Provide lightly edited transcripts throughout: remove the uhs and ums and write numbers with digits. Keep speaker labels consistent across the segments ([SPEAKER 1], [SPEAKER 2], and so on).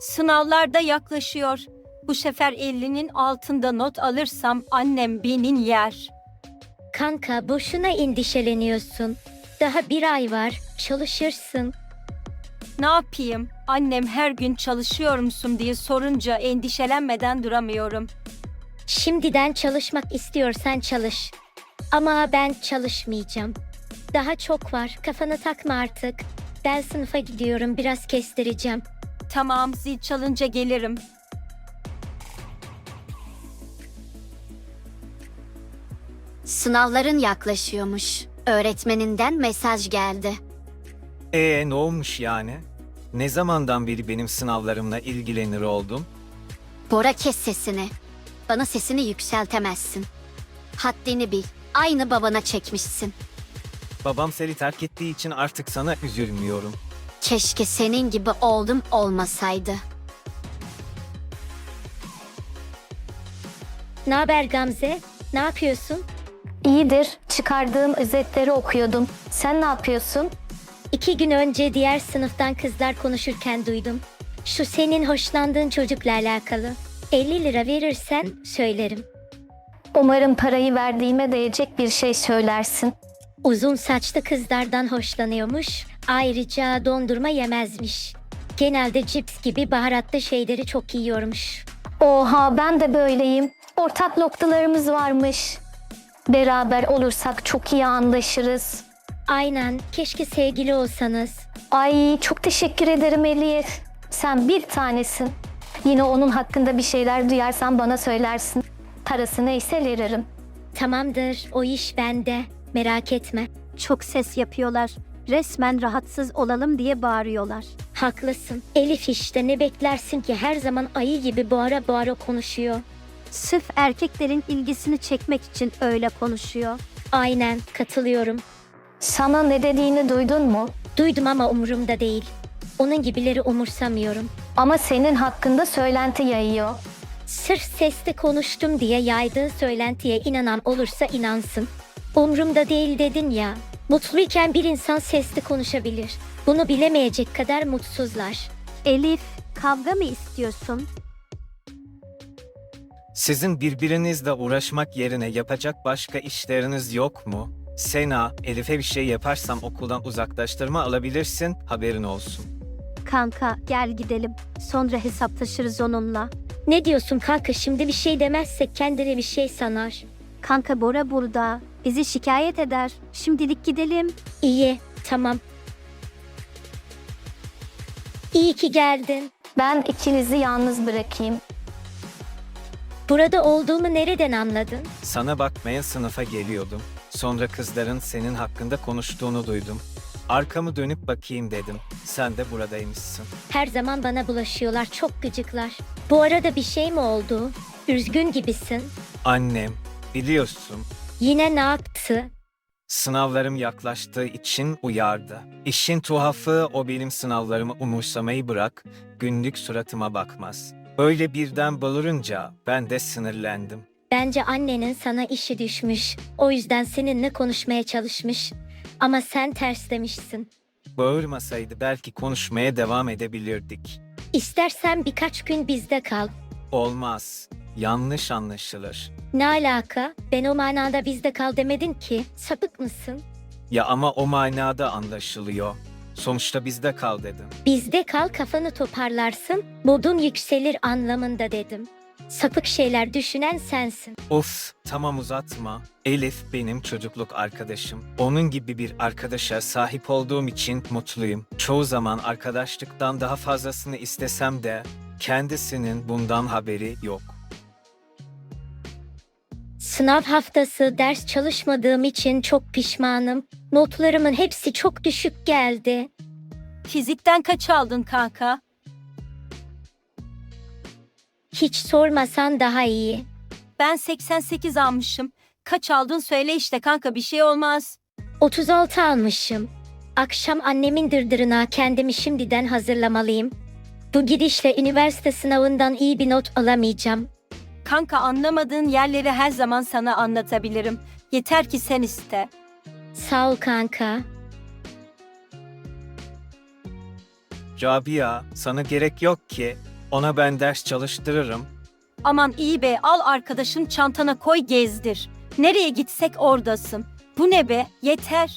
[SPEAKER 1] Sınavlar da yaklaşıyor. Bu sefer 50'nin altında not alırsam annem beni yer.
[SPEAKER 2] Kanka boşuna endişeleniyorsun. Daha bir ay var, çalışırsın.
[SPEAKER 1] Ne yapayım? Annem her gün çalışıyor musun diye sorunca endişelenmeden duramıyorum.
[SPEAKER 2] Şimdiden çalışmak istiyorsan çalış. Ama ben çalışmayacağım. Daha çok var, kafanı takma artık. Ben sınıfa gidiyorum, biraz kestireceğim.
[SPEAKER 1] Tamam, zil çalınca gelirim.
[SPEAKER 3] Sınavların yaklaşıyormuş. Öğretmeninden mesaj geldi.
[SPEAKER 4] Ne olmuş yani? Ne zamandan beri benim sınavlarımla ilgilenir oldum?
[SPEAKER 3] Bora, kes sesini. Bana sesini yükseltemezsin. Haddini bil. Aynı babana çekmişsin.
[SPEAKER 4] Babam seni terk ettiği için artık sana üzülmüyorum.
[SPEAKER 3] Keşke senin gibi oğlum olmasaydı.
[SPEAKER 2] Ne haber Gamze? Ne yapıyorsun?
[SPEAKER 5] İyidir. Çıkardığım özetleri okuyordum. Sen ne yapıyorsun?
[SPEAKER 2] 2 gün önce diğer sınıftan kızlar konuşurken duydum. Şu senin hoşlandığın çocukla alakalı. 50 lira verirsen söylerim.
[SPEAKER 5] Umarım parayı verdiğime değecek bir şey söylersin.
[SPEAKER 2] Uzun saçlı kızlardan hoşlanıyormuş. Ayrıca dondurma yemezmiş. Genelde cips gibi baharatlı şeyleri çok yiyormuş.
[SPEAKER 5] Oha, ben de böyleyim. Ortak noktalarımız varmış. Beraber olursak çok iyi anlaşırız.
[SPEAKER 2] Aynen, keşke sevgili olsanız.
[SPEAKER 5] Ay, çok teşekkür ederim Elif. Sen bir tanesin. Yine onun hakkında bir şeyler duyarsan bana söylersin. Parası neyse veririm.
[SPEAKER 2] Tamamdır, o iş bende. Merak etme.
[SPEAKER 6] Çok ses yapıyorlar. Resmen rahatsız olalım diye bağırıyorlar.
[SPEAKER 2] Haklısın. Elif işte, ne beklersin ki, her zaman ayı gibi bağıra bağıra konuşuyor.
[SPEAKER 6] Sırf erkeklerin ilgisini çekmek için öyle konuşuyor.
[SPEAKER 2] Aynen, katılıyorum.
[SPEAKER 5] Sana ne dediğini duydun mu?
[SPEAKER 2] Duydum ama umurumda değil. Onun gibileri umursamıyorum.
[SPEAKER 5] Ama senin hakkında söylenti yayıyor.
[SPEAKER 2] Sırf sesli konuştum diye yaydığı söylentiye inanan olursa inansın. Umrumda değil dedin ya. Mutluyken bir insan sesli konuşabilir. Bunu bilemeyecek kadar mutsuzlar.
[SPEAKER 6] Elif, kavga mı istiyorsun?
[SPEAKER 4] Sizin birbirinizle uğraşmak yerine yapacak başka işleriniz yok mu? Sena, Elif'e bir şey yaparsam okuldan uzaklaştırma alabilirsin, haberin olsun.
[SPEAKER 6] Kanka, gel gidelim. Sonra hesaplaşırız onunla.
[SPEAKER 2] Ne diyorsun kanka, şimdi bir şey demezsek kendine bir şey sanar.
[SPEAKER 6] Kanka, Bora burada. Bizi şikayet eder. Şimdilik gidelim.
[SPEAKER 2] İyi, tamam. İyi ki geldin.
[SPEAKER 5] Ben ikinizi yalnız bırakayım.
[SPEAKER 2] Burada olduğumu nereden anladın?
[SPEAKER 4] Sana bakmaya sınıfa geliyordum. Sonra kızların senin hakkında konuştuğunu duydum. Arkamı dönüp bakayım dedim. Sen de buradaymışsın.
[SPEAKER 2] Her zaman bana bulaşıyorlar, çok gıcıklar. Bu arada bir şey mi oldu? Üzgün gibisin.
[SPEAKER 4] Annem, biliyorsun,
[SPEAKER 2] Yine ne yaptı?
[SPEAKER 4] sınavlarım yaklaştığı için uyardı. İşin tuhafı, o benim sınavlarımı umursamayı bırak, günlük suratıma bakmaz. Öyle birden bağırınca ben de sinirlendim.
[SPEAKER 2] Bence annenin sana işi düşmüş. O yüzden seninle konuşmaya çalışmış. Ama sen terslemişsin.
[SPEAKER 4] Bağırmasaydı belki konuşmaya devam edebilirdik.
[SPEAKER 2] İstersen birkaç gün bizde kal.
[SPEAKER 4] Olmaz, yanlış anlaşılır.
[SPEAKER 2] Ne alaka? Ben o manada bizde kal demedin ki. Sapık mısın?
[SPEAKER 4] Ya ama o manada anlaşılıyor. Sonuçta bizde kal dedim.
[SPEAKER 2] Bizde kal, kafanı toparlarsın, modun yükselir anlamında dedim. Sapık şeyler düşünen sensin.
[SPEAKER 4] Of, tamam uzatma. Elif benim çocukluk arkadaşım. Onun gibi bir arkadaşa sahip olduğum için mutluyum. Çoğu zaman arkadaşlıktan daha fazlasını istesem de kendisinin bundan haberi yok.
[SPEAKER 2] Sınav haftası ders çalışmadığım için çok pişmanım. Notlarımın hepsi çok düşük geldi.
[SPEAKER 1] Fizikten kaç aldın kanka?
[SPEAKER 2] Hiç sormasan daha iyi.
[SPEAKER 1] Ben 88 almışım. Kaç aldın söyle işte kanka, bir şey olmaz.
[SPEAKER 2] 36 almışım. Akşam annemin dırdırına kendimi şimdiden hazırlamalıyım. Bu gidişle üniversite sınavından iyi bir not alamayacağım.
[SPEAKER 1] Kanka, anlamadığın yerleri her zaman sana anlatabilirim. Yeter ki sen iste.
[SPEAKER 2] Sağ ol kanka.
[SPEAKER 4] Rabia, sana gerek yok ki. Ona ben ders çalıştırırım.
[SPEAKER 1] Aman iyi be, al arkadaşın çantana koy gezdir. Nereye gitsek oradasın. Bu ne be, yeter.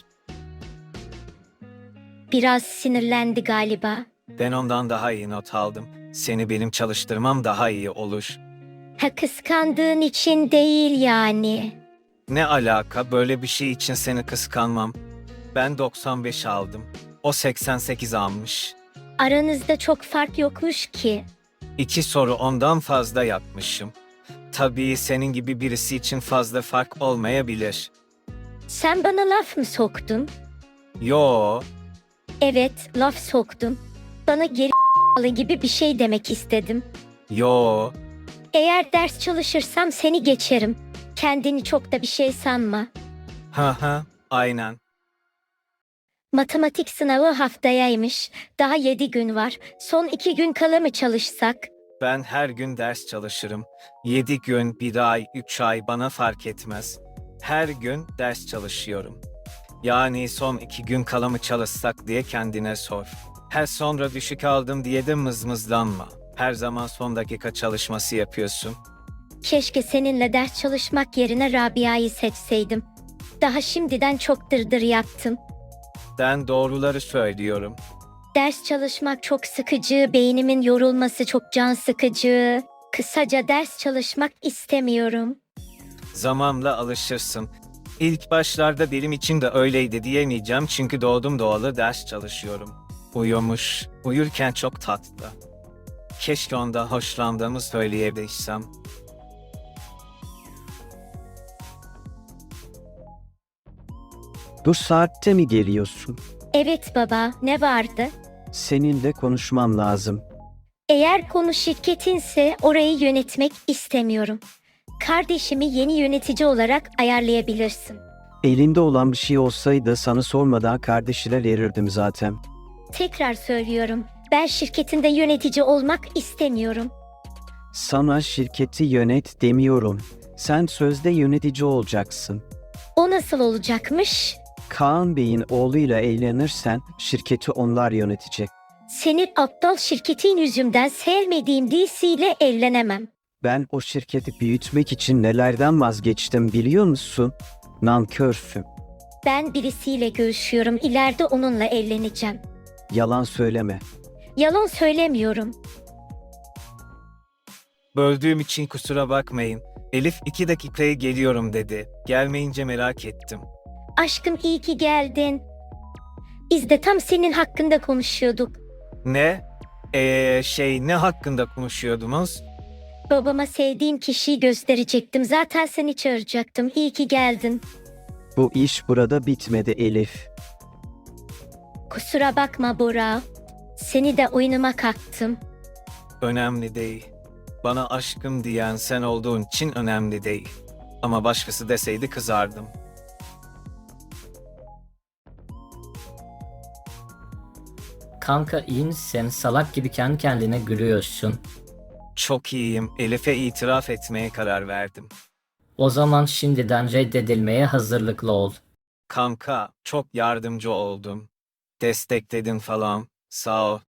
[SPEAKER 2] Biraz sinirlendi galiba.
[SPEAKER 4] Ben ondan daha iyi not aldım. Seni benim çalıştırmam daha iyi olur.
[SPEAKER 2] Ha, kıskandığın için değil yani.
[SPEAKER 4] Ne alaka, böyle bir şey için seni kıskanmam. Ben 95 aldım. O 88 almış.
[SPEAKER 2] Aranızda çok fark yokmuş ki.
[SPEAKER 4] 2 soru ondan fazla yapmışım. Tabii senin gibi birisi için fazla fark olmayabilir.
[SPEAKER 2] Sen bana laf mı soktun?
[SPEAKER 4] Yo,
[SPEAKER 2] Evet, laf soktum. Bana geri gibi bir şey demek istedim.
[SPEAKER 4] yo.
[SPEAKER 2] Eğer ders çalışırsam seni geçerim. Kendini çok da bir şey sanma.
[SPEAKER 4] Ha, aynen.
[SPEAKER 2] Matematik sınavı haftayaymış. Daha 7 gün var. Son 2 gün kala mı çalışsak?
[SPEAKER 4] Ben her gün ders çalışırım. 7 gün, 1 ay, 3 ay bana fark etmez. Her gün ders çalışıyorum. Yani son 2 gün kala mı çalışsak diye kendine sor. Her sonra düşük aldım diye de mızmızlanma. Her zaman son dakika çalışması yapıyorsun.
[SPEAKER 2] Keşke seninle ders çalışmak yerine Rabia'yı seçseydim. Daha şimdiden çok dırdır yaptım.
[SPEAKER 4] Ben doğruları söylüyorum.
[SPEAKER 2] Ders çalışmak çok sıkıcı, beynimin yorulması çok can sıkıcı. Kısaca ders çalışmak istemiyorum.
[SPEAKER 4] Zamanla alışırsın. İlk başlarda benim için de öyleydi diyemeyeceğim çünkü doğdum doğalı ders çalışıyorum. Uyumuş, uyurken çok tatlı. Keşke ondan hoşlandığımı söyleyebilsem.
[SPEAKER 7] Bu saatte mi geliyorsun?
[SPEAKER 2] Evet baba, ne vardı?
[SPEAKER 7] Seninle konuşmam lazım.
[SPEAKER 2] Eğer konu şirketinse orayı yönetmek istemiyorum. Kardeşimi yeni yönetici olarak ayarlayabilirsin.
[SPEAKER 7] Elinde olan bir şey olsaydı sana sormadan kardeşine verirdim zaten.
[SPEAKER 2] Tekrar söylüyorum, ben şirketinde yönetici olmak istemiyorum.
[SPEAKER 7] Sana şirketi yönet demiyorum. Sen sözde yönetici olacaksın.
[SPEAKER 2] O nasıl olacakmış?
[SPEAKER 7] Kaan Bey'in oğluyla evlenirsen şirketi onlar yönetecek.
[SPEAKER 2] Senin aptal şirketin yüzünden sevmediğim DC ile evlenemem.
[SPEAKER 7] Ben o şirketi büyütmek için nelerden vazgeçtim biliyor musun? Nankörsün.
[SPEAKER 2] Ben birisiyle görüşüyorum, ileride onunla evleneceğim.
[SPEAKER 7] Yalan söyleme.
[SPEAKER 2] Yalan söylemiyorum.
[SPEAKER 4] Böldüğüm için kusura bakmayın. Elif 2 dakikaya geliyorum dedi. Gelmeyince merak ettim.
[SPEAKER 2] Aşkım iyi ki geldin. Biz de tam senin hakkında konuşuyorduk.
[SPEAKER 4] Ne? Ne hakkında konuşuyordunuz?
[SPEAKER 2] Babama sevdiğim kişiyi gösterecektim. Zaten seni çağıracaktım. İyi ki geldin.
[SPEAKER 7] Bu iş burada bitmedi Elif.
[SPEAKER 2] Kusura bakma Bora. Seni de oyunuma kattım.
[SPEAKER 4] Önemli değil. Bana aşkım diyen sen olduğun için önemli değil. Ama başkası deseydi kızardım.
[SPEAKER 8] Kanka iyi misin? Salak gibi kendi kendine gülüyorsun.
[SPEAKER 4] Çok iyiyim. Elif'e itiraf etmeye karar verdim.
[SPEAKER 8] O zaman şimdiden reddedilmeye hazırlıklı ol.
[SPEAKER 4] Kanka, çok yardımcı oldun. Destekledin falan. Sağ ol.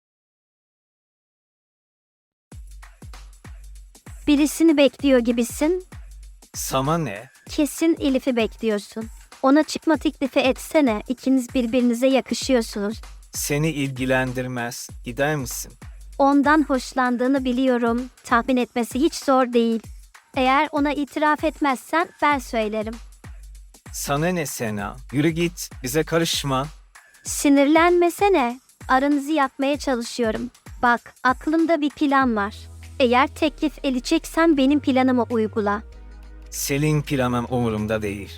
[SPEAKER 6] Birisini bekliyor gibisin.
[SPEAKER 4] Sana ne?
[SPEAKER 6] Kesin Elif'i bekliyorsun. Ona çıkma teklifi etsene. İkiniz birbirinize yakışıyorsunuz.
[SPEAKER 4] Seni ilgilendirmez. Gider misin?
[SPEAKER 6] Ondan hoşlandığını biliyorum. Tahmin etmesi hiç zor değil. Eğer ona itiraf etmezsen ben söylerim.
[SPEAKER 4] Sana ne Sena? Yürü git. Bize karışma.
[SPEAKER 6] Sinirlenmesene. Aranızı yapmaya çalışıyorum. Bak, aklımda bir plan var. Eğer teklif edeceksen benim planımı uygula.
[SPEAKER 4] Selin planım umurumda değil.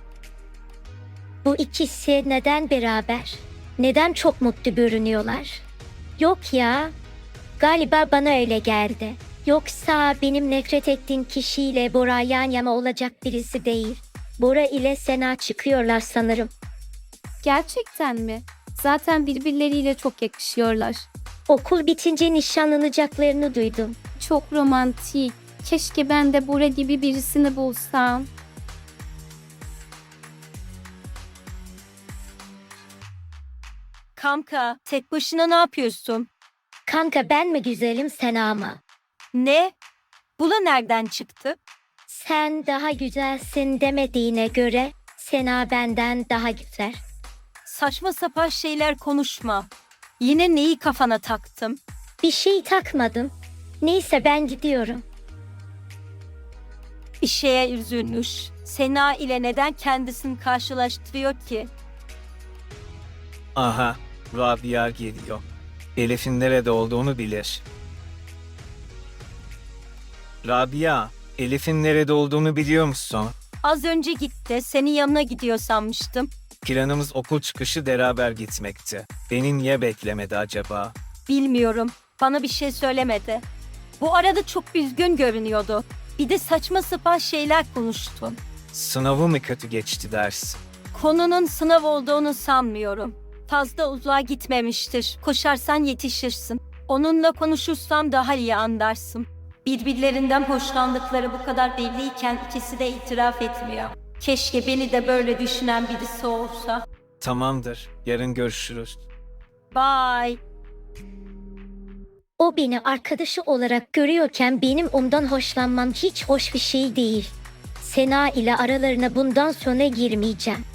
[SPEAKER 2] Bu ikisi neden beraber? Neden çok mutlu görünüyorlar? Yok ya. Galiba bana öyle geldi. Yoksa benim nefret ettiğim kişiyle Bora yan yana olacak birisi değil. Bora ile Sena çıkıyorlar sanırım.
[SPEAKER 9] Gerçekten mi? Zaten birbirleriyle çok yakışıyorlar.
[SPEAKER 2] Okul bitince nişanlanacaklarını duydum.
[SPEAKER 9] Çok romantik. Keşke ben de Bora gibi birisini bulsam.
[SPEAKER 1] Kanka, tek başına ne yapıyorsun?
[SPEAKER 2] Kanka ben mi güzelim sen ama?
[SPEAKER 1] Ne? Bu da nereden çıktı?
[SPEAKER 2] Sen daha güzelsin demediğine göre Sena benden daha güzel.
[SPEAKER 1] Saçma sapan şeyler konuşma. Yine neyi kafana taktım?
[SPEAKER 2] Bir şey takmadım. Neyse ben gidiyorum.
[SPEAKER 1] Bir şeye üzülmüş. Sena ile neden kendisini karşılaştırıyor ki?
[SPEAKER 4] Aha, Rabia geliyor. Elif'in nerede olduğunu bilir. Rabia, Elif'in nerede olduğunu biliyor musun?
[SPEAKER 1] Az önce gitti. Senin yanına gidiyor sanmıştım.
[SPEAKER 4] Planımız okul çıkışı beraber gitmekti. Beni niye beklemedi acaba?
[SPEAKER 1] Bilmiyorum. Bana bir şey söylemedi. Bu arada çok üzgün görünüyordu. Bir de saçma sapan şeyler konuştun.
[SPEAKER 4] Sınavı mı kötü geçti ders?
[SPEAKER 1] Konunun sınav olduğunu sanmıyorum. Fazla uzağa gitmemiştir. Koşarsan yetişirsin. Onunla konuşursam daha iyi anlarsın. Birbirlerinden hoşlandıkları bu kadar belliyken ikisi de itiraf etmiyor. Keşke beni de böyle düşünen birisi olsa.
[SPEAKER 4] Tamamdır, yarın görüşürüz.
[SPEAKER 1] Bye.
[SPEAKER 2] O beni arkadaşı olarak görüyorken benim ondan hoşlanmam hiç hoş bir şey değil. Sena ile aralarına bundan sonra girmeyeceğim.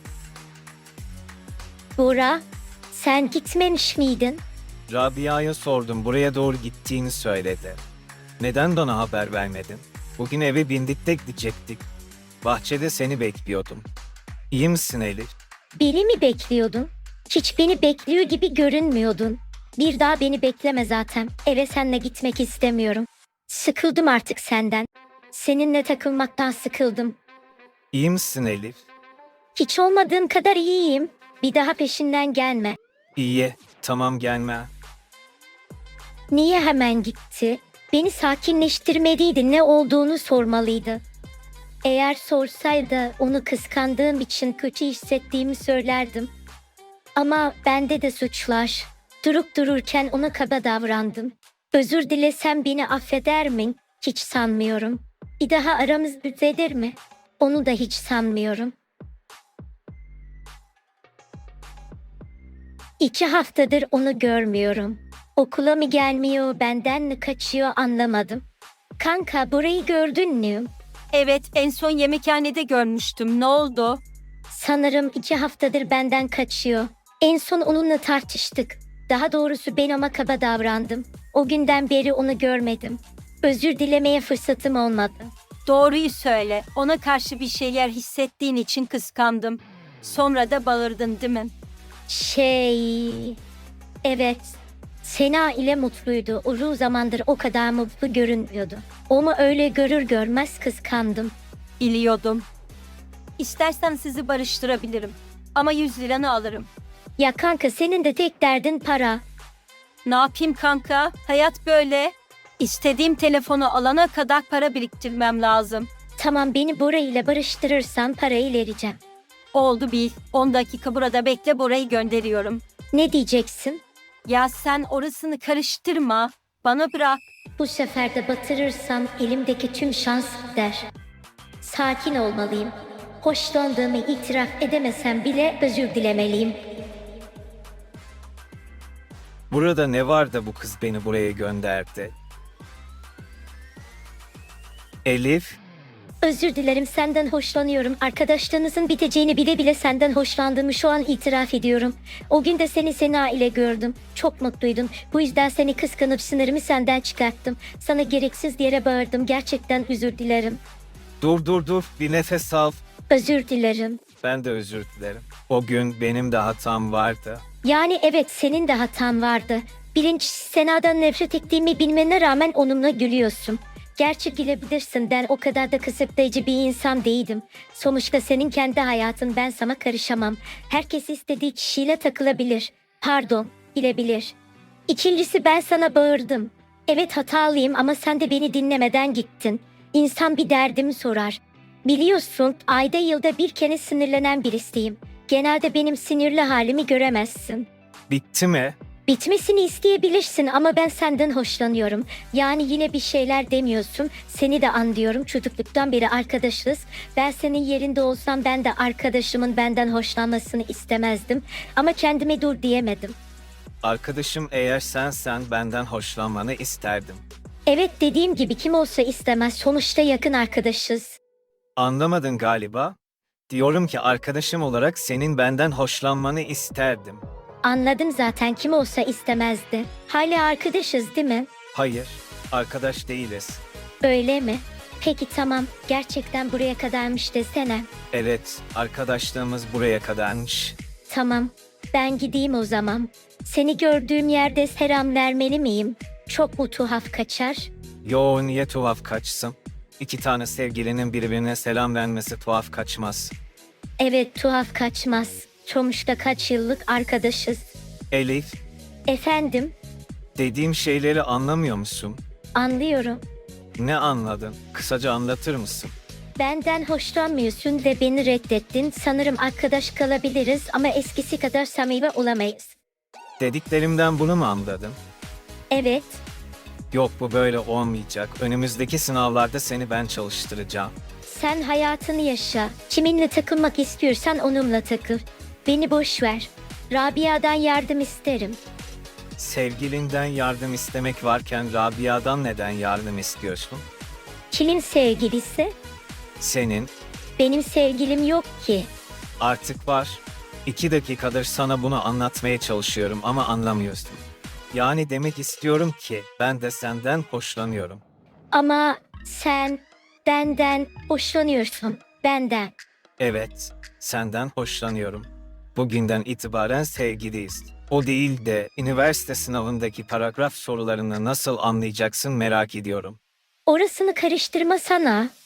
[SPEAKER 2] Bora, sen gitmemiş miydin?
[SPEAKER 4] Rabia'ya sordum, buraya doğru gittiğini söyledi. Neden bana haber vermedin? Bugün eve bindik de gidecektik. Bahçede seni bekliyordum. İyi misin Elif?
[SPEAKER 2] Beni mi bekliyordun? Hiç beni bekliyor gibi görünmüyordun. Bir daha beni bekleme zaten. Eve seninle gitmek istemiyorum. Sıkıldım artık senden. Seninle takılmaktan sıkıldım.
[SPEAKER 4] İyi misin Elif?
[SPEAKER 2] Hiç olmadığım kadar iyiyim. Bir daha peşinden gelme.
[SPEAKER 4] İyi, tamam gelme.
[SPEAKER 2] Niye hemen gitti? Beni sakinleştirmeliydi, ne olduğunu sormalıydı. Eğer sorsaydı onu kıskandığım için kötü hissettiğimi söylerdim. Ama bende de suçlar. Durup dururken ona kaba davrandım. Özür dilesem beni affeder mi? Hiç sanmıyorum. Bir daha aramız düzelir mi? Onu da hiç sanmıyorum. 2 haftadır onu görmüyorum. Okula mı gelmiyor, benden mi kaçıyor anlamadım. Kanka burayı gördün mü?
[SPEAKER 1] Evet, en son yemekhanede görmüştüm. Ne oldu?
[SPEAKER 2] Sanırım 2 haftadır benden kaçıyor. En son onunla tartıştık. Daha doğrusu ben ona kaba davrandım. O günden beri onu görmedim. Özür dilemeye fırsatım olmadı.
[SPEAKER 1] Doğruyu söyle. Ona karşı bir şeyler hissettiğin için kıskandım. Sonra da bağırdın değil mi?
[SPEAKER 2] Evet. Sena ile mutluydu. Uzun zamandır o kadar mutlu görünmüyordu. Onu öyle görür görmez kıskandım.
[SPEAKER 1] Biliyordum. İstersen sizi barıştırabilirim. Ama 100 liranı alırım.
[SPEAKER 2] Ya kanka senin de tek derdin para.
[SPEAKER 1] Ne yapayım kanka? Hayat böyle. İstediğim telefonu alana kadar para biriktirmem lazım.
[SPEAKER 2] Tamam beni Bora ile barıştırırsan parayı vereceğim.
[SPEAKER 1] Oldu bil. 10 dakika burada bekle, Bora'yı gönderiyorum.
[SPEAKER 2] Ne diyeceksin?
[SPEAKER 1] Ya sen orasını karıştırma. Bana bırak.
[SPEAKER 2] Bu sefer de batırırsam elimdeki tüm şans gider. Sakin olmalıyım. Hoşlandığımı itiraf edemesem bile özür dilemeliyim.
[SPEAKER 4] Burada ne var da bu kız beni buraya gönderdi? Elif,
[SPEAKER 2] Özür dilerim, senden hoşlanıyorum. Arkadaşlığınızın biteceğini bile bile senden hoşlandığımı şu an itiraf ediyorum. O gün de seni Sena ile gördüm. Çok mutluydun. Bu yüzden seni kıskanıp sınırımı senden çıkarttım. Sana gereksiz yere bağırdım. Gerçekten özür dilerim.
[SPEAKER 4] dur, bir nefes al.
[SPEAKER 2] Özür dilerim.
[SPEAKER 4] Ben de özür dilerim. O gün benim de hatam vardı.
[SPEAKER 2] Yani evet, senin de hatan vardı. Birincisi Sena'dan nefret ettiğimi bilmene rağmen onunla gülüyorsun. Gerçi gülebilirsin, ben o kadar da kısıtlayıcı bir insan değilim. Sonuçta senin kendi hayatın, ben sana karışamam. Herkes istediği kişiyle takılabilir. Pardon, bilebilir. İkincisi ben sana bağırdım. Evet hatalıyım ama sen de beni dinlemeden gittin. İnsan bir derdimi sorar. Biliyorsun ayda yılda bir kere sinirlenen birisiyim. Genelde benim sinirli halimi göremezsin.
[SPEAKER 4] Bitti mi?
[SPEAKER 2] Bitmesini isteyebilirsin ama ben senden hoşlanıyorum. Yani yine bir şeyler demiyorsun. Seni de anlıyorum. Çocukluktan beri arkadaşız. Ben senin yerinde olsam ben de arkadaşımın benden hoşlanmasını istemezdim. Ama kendime dur diyemedim.
[SPEAKER 4] Arkadaşım eğer sensen benden hoşlanmanı isterdim.
[SPEAKER 2] Evet, dediğim gibi kim olsa istemez, sonuçta yakın arkadaşız.
[SPEAKER 4] Anlamadın galiba. Diyorum ki arkadaşım olarak senin benden hoşlanmanı isterdim.
[SPEAKER 2] Anladım zaten, kim olsa istemezdi. Hala arkadaşız değil mi?
[SPEAKER 4] Hayır, arkadaş değiliz.
[SPEAKER 2] Öyle mi? Peki tamam, gerçekten buraya kadarmış desene.
[SPEAKER 4] Evet, arkadaşlığımız buraya kadarmış.
[SPEAKER 2] Tamam, ben gideyim o zaman. Seni gördüğüm yerde selam vermeli miyim? Çok mu tuhaf kaçar?
[SPEAKER 4] Yo, niye tuhaf kaçsın? İki tane sevgilinin birbirine selam vermesi tuhaf kaçmaz.
[SPEAKER 2] Evet, tuhaf kaçmaz. Sonuçta kaç yıllık arkadaşız.
[SPEAKER 4] Elif,
[SPEAKER 2] Efendim,
[SPEAKER 4] dediğim şeyleri anlamıyor musun?
[SPEAKER 2] anlıyorum.
[SPEAKER 4] Ne anladın? Kısaca anlatır mısın?
[SPEAKER 2] Benden hoşlanmıyorsun ve beni reddettin. Sanırım arkadaş kalabiliriz ama eskisi kadar samimi olamayız.
[SPEAKER 4] Dediklerimden bunu mu anladın?
[SPEAKER 2] Evet,
[SPEAKER 4] Yok, bu böyle olmayacak. Önümüzdeki sınavlarda seni ben çalıştıracağım.
[SPEAKER 2] sen hayatını yaşa. Kiminle takılmak istiyorsan onunla takıl. Beni boş ver. Rabia'dan yardım isterim.
[SPEAKER 4] Sevgilinden yardım istemek varken Rabia'dan neden yardım istiyorsun?
[SPEAKER 2] Kimin sevgilisi?
[SPEAKER 4] Senin
[SPEAKER 2] Benim sevgilim yok ki.
[SPEAKER 4] artık var. 2 dakikadır sana bunu anlatmaya çalışıyorum ama anlamıyorsun. Yani demek istiyorum ki ben de senden hoşlanıyorum.
[SPEAKER 2] Ama sen benden hoşlanıyorsun. Benden.
[SPEAKER 4] Evet, senden hoşlanıyorum. Bugünden itibaren sevgiliyiz. O değil de üniversite sınavındaki paragraf sorularını nasıl anlayacaksın merak ediyorum.
[SPEAKER 2] Orasını karıştırmasana.